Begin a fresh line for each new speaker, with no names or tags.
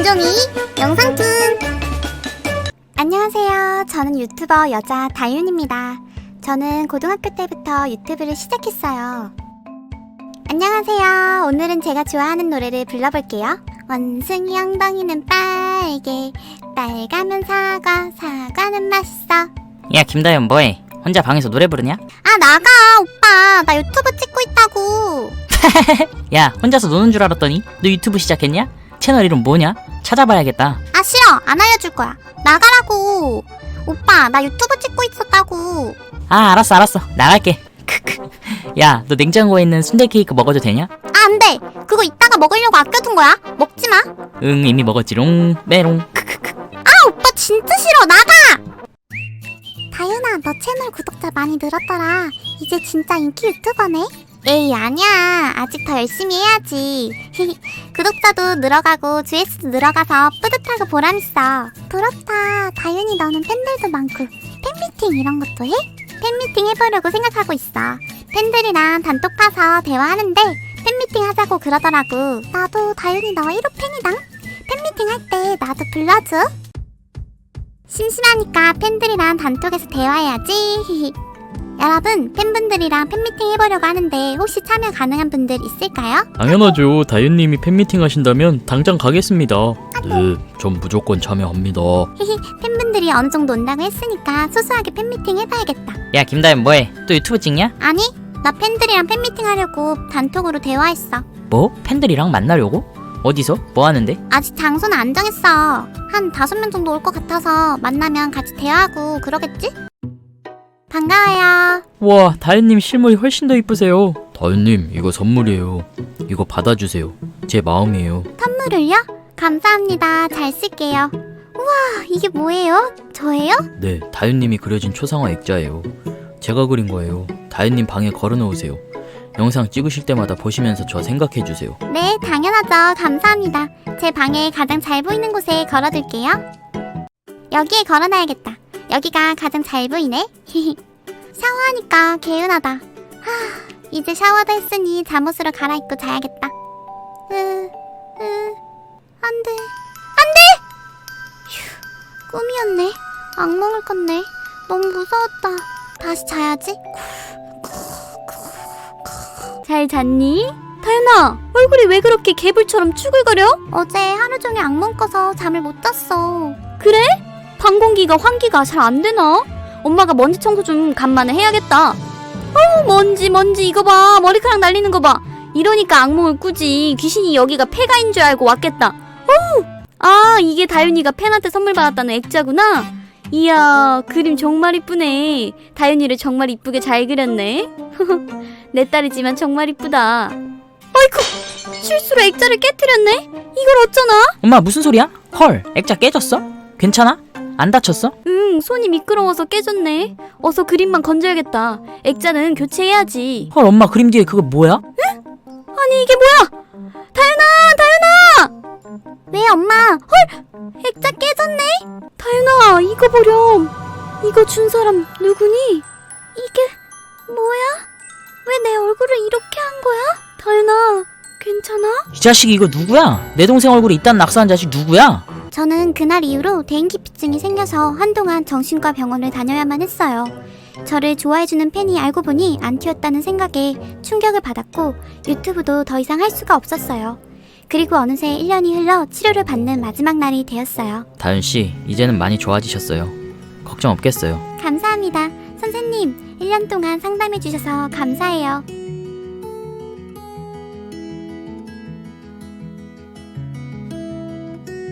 김종이 영상툰. 안녕하세요. 저는 유튜버 여자 다윤입니다. 저는 고등학교 때부터 유튜브를 시작했어요. 안녕하세요. 오늘은 제가 좋아하는 노래를 불러볼게요. 원숭이 엉덩이는 빨개, 빨가면 사과, 사과는 맛있어.
야 김다현 뭐해? 혼자 방에서 노래 부르냐?
아 나가 오빠, 나 유튜브 찍고 있다고.
야 혼자서 노는 줄 알았더니 너 유튜브 시작했냐? 채널 이름 뭐냐? 찾아봐야겠다.
아 싫어, 안 알려줄 거야. 나가라고. 오빠 나 유튜브 찍고 있었다고.
아 알았어 나갈게. 야 너 냉장고에 있는 순대 케이크 먹어도 되냐?
아 안돼, 그거 이따가 먹으려고 아껴둔 거야. 먹지마.
응 이미 먹었지롱 메롱.
아 오빠 진짜 싫어, 나가. 다윤아, 너 채널 구독자 많이 늘었더라. 이제 진짜 인기 유튜버네. 에이 아니야, 아직 더 열심히 해야지. 구독자도 늘어가고 조회수도 늘어가서 뿌듯하고 보람있어. 부럽다. 다윤이 너는 팬들도 많고 팬미팅 이런 것도 해? 팬미팅 해보려고 생각하고 있어. 팬들이랑 단톡 파서 대화하는데 팬미팅 하자고 그러더라고. 나도 다윤이 너 1호 팬이당. 팬미팅 할 때 나도 불러줘. 심심하니까 팬들이랑 단톡에서 대화해야지. 여러분, 팬분들이랑 팬미팅 해보려고 하는데 혹시 참여 가능한 분들 있을까요?
당연하죠. 다윤님이 팬미팅 하신다면 당장 가겠습니다. 네, 전 무조건 참여합니다.
팬분들이 어느 정도 온다고 했으니까 소소하게 팬미팅 해봐야겠다.
야 김다현 뭐해? 또 유튜브 찍냐?
아니, 나 팬들이랑 팬미팅 하려고 단톡으로 대화했어.
뭐? 팬들이랑 만나려고? 어디서? 뭐 하는데?
아직 장소는 안 정했어. 한 5명 정도 올 것 같아서 만나면 같이 대화하고 그러겠지? 반가워요.
와, 다윤님 실물이 훨씬 더 이쁘세요. 다윤님, 이거 선물이에요. 이거 받아주세요. 제 마음이에요.
선물을요? 감사합니다. 잘 쓸게요. 우와, 이게 뭐예요? 저예요?
네, 다윤님이 그려진 초상화 액자예요. 제가 그린 거예요. 다윤님 방에 걸어놓으세요. 영상 찍으실 때마다 보시면서 저 생각해주세요.
네, 당연하죠. 감사합니다. 제 방에 가장 잘 보이는 곳에 걸어둘게요. 여기에 걸어놔야겠다. 여기가 가장 잘 보이네. 샤워하니까 개운하다. 이제 샤워도 했으니 잠옷으로 갈아입고 자야겠다. 안돼. 휴, 꿈이었네. 악몽을 꿨네. 너무 무서웠다. 다시 자야지. 잘 잤니? 다현아, 얼굴이 왜 그렇게 개불처럼 쭈글거려? 어제 하루 종일 악몽 꿔서 잠을 못 잤어. 그래? 방 공기가 환기가 잘 안 되나? 엄마가 먼지 청소 좀 간만에 해야겠다. 어우, 먼지 이거 봐. 머리카락 날리는 거 봐. 이러니까 악몽을 꾸지. 귀신이 여기가 폐가인 줄 알고 왔겠다. 어우! 아, 이게 다윤이가 팬한테 선물 받았다는 액자구나. 이야, 그림 정말 이쁘네. 다윤이를 정말 이쁘게 잘 그렸네. 내 딸이지만 정말 이쁘다. 아이쿠, 실수로 액자를 깨뜨렸네. 이걸 어쩌나?
엄마 무슨 소리야? 헐 액자 깨졌어? 괜찮아? 안 다쳤어?
응, 손이 미끄러워서 깨졌네. 어서 그림만 건져야겠다. 액자는 교체해야지.
헐 엄마 그림 뒤에 그거 뭐야?
아니 이게 뭐야? 다윤아! 왜 엄마? 헐! 액자 깨졌네? 다윤아, 이거 보렴. 이거 준 사람 누구니? 이게 뭐야? 왜 내 얼굴을 이렇게 한 거야? 다윤아, 괜찮아?
이 자식이 이거 누구야? 내 동생 얼굴에 이딴 낙서한 자식 누구야?
저는 그날 이후로 대인기피증이 생겨서 한동안 정신과 병원을 다녀야만 했어요. 저를 좋아해주는 팬이 알고 보니 안티였다는 생각에 충격을 받았고 유튜브도 더 이상 할 수가 없었어요. 그리고 어느새 1년이 흘러 치료를 받는 마지막 날이 되었어요.
다윤씨 이제는 많이 좋아지셨어요. 걱정 없겠어요.
감사합니다. 선생님, 1년 동안 상담해주셔서 감사해요.